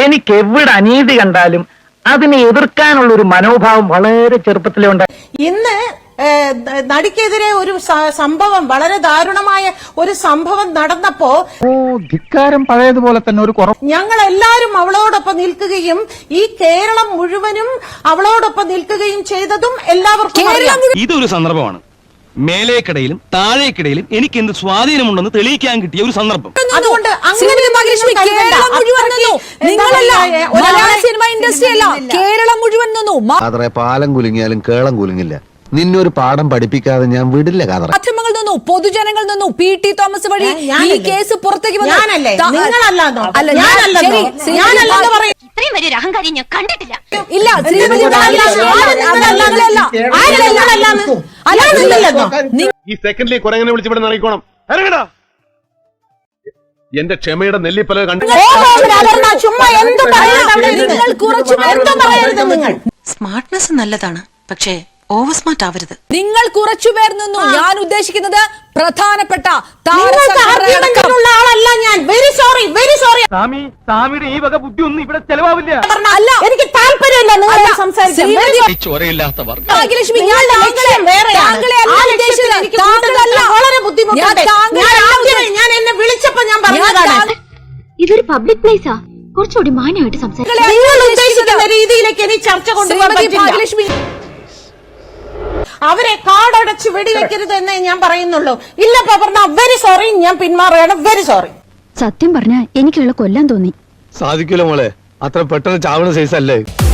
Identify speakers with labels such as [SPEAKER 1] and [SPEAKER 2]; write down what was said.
[SPEAKER 1] എനിക്ക് എവിടെ അനീതി കണ്ടാലും അതിനെ എതിർക്കാനുള്ള ഒരു മനോഭാവം വളരെ ചെറുപ്പത്തിലേ ഉണ്ടായി.
[SPEAKER 2] ഇന്ന് നടിക്കെതിരെ ഒരു സംഭവം, വളരെ ദാരുണമായ ഒരു സംഭവം നടന്നപ്പോ
[SPEAKER 1] ധിക്കാരം പഴയതുപോലെ തന്നെ ഒരു കുറവ്.
[SPEAKER 2] ഞങ്ങൾ എല്ലാവരും അവളോടൊപ്പം നിൽക്കുകയും ഈ കേരളം മുഴുവനും അവളോടൊപ്പം നിൽക്കുകയും ചെയ്തതും എല്ലാവർക്കും അറിയാം.
[SPEAKER 3] ഇതൊരു സന്ദർഭമാണ്. മേലേക്കിടയിലും താഴേക്കിടയിലും എനിക്ക് എന്ത് സ്വാധീനമുണ്ടെന്ന് തെളിയിക്കാൻ കിട്ടിയ ഒരു സന്ദർഭം.
[SPEAKER 2] അതുകൊണ്ട്
[SPEAKER 4] കേരളം മുഴുവൻ നിന്നു.
[SPEAKER 5] പാലം കുലുങ്ങിയാലും കേളം കുലുങ്ങില്ല. നിന്നൊരു പാഠം പഠിപ്പിക്കാതെ ഞാൻ വിടില്ല.
[SPEAKER 4] മാധ്യമങ്ങൾ നിന്നു, പൊതുജനങ്ങൾ നിന്നു. PT തോമസ് വഴി ഈ കേസ് പുറത്തേക്ക് വന്നു.
[SPEAKER 6] ഇത്രയും വലിയൊരു അഹങ്കാരി ഞാൻ കണ്ടിട്ടില്ല.
[SPEAKER 4] ഇല്ല,
[SPEAKER 7] ഈ സെക്കൻഡിൽ കുരങ്ങനെ വിളിച്ചിവിടെ നൽകിക്കോണം. എന്റെ ക്ഷമയുടെ നെല്ലിപ്പല കണ്ടു.
[SPEAKER 8] സ്മാർട്ട്നെസ് നല്ലതാണ്, പക്ഷേ ഓവർ സ്മാർട്ട് ആവരുത്.
[SPEAKER 4] നിങ്ങൾ കുറച്ചുപേർ നിന്നു. ഞാൻ ഉദ്ദേശിക്കുന്നത് പ്രധാനപ്പെട്ട
[SPEAKER 2] ആളല്ല ഞാൻ. Very sorry, very sorry.
[SPEAKER 1] സ്വാമിയുടെ ഈ വക ബുദ്ധി ഒന്നും ഇവിടെ ചെലവാവില്ല.
[SPEAKER 4] അല്ല,
[SPEAKER 2] എനിക്ക് താല്പര്യമില്ല നിങ്ങൾ സംസാരിക്കാൻ.
[SPEAKER 4] ഭാഗ്യലക്ഷ്മി,
[SPEAKER 2] വളരെ ബുദ്ധിമുട്ടുണ്ട്. ഞാൻ എന്നെ വിളിച്ചപ്പോ ഞാൻ പറഞ്ഞതാണ്
[SPEAKER 6] ഇതൊരു പബ്ലിക് പ്ലേസാ, കുറച്ചുകൂടി മാന്യമായിട്ട് സംസാരിക്കും.
[SPEAKER 2] നിങ്ങൾ ഉദ്ദേശിക്കുന്ന രീതിയിലേക്ക് എനിക്ക് ചർച്ച കൊണ്ടുപോകാൻ പറ്റില്ല. അവരെ കാടടച്ച് വെടിവെക്കരുത് എന്നേ ഞാൻ പറയുന്നുള്ളൂ. ഇല്ല പറഞ്ഞ വെരി സോറി, ഞാൻ പിന്മാറുകയാണ്. Very sorry.
[SPEAKER 6] സത്യം പറഞ്ഞാ എനിക്കുള്ള കൊല്ലാൻ തോന്നി.
[SPEAKER 5] സാധിക്കൂല മോളെ, അത്ര പെട്ടെന്ന് ചാവണ സൈസ് അല്ലേ.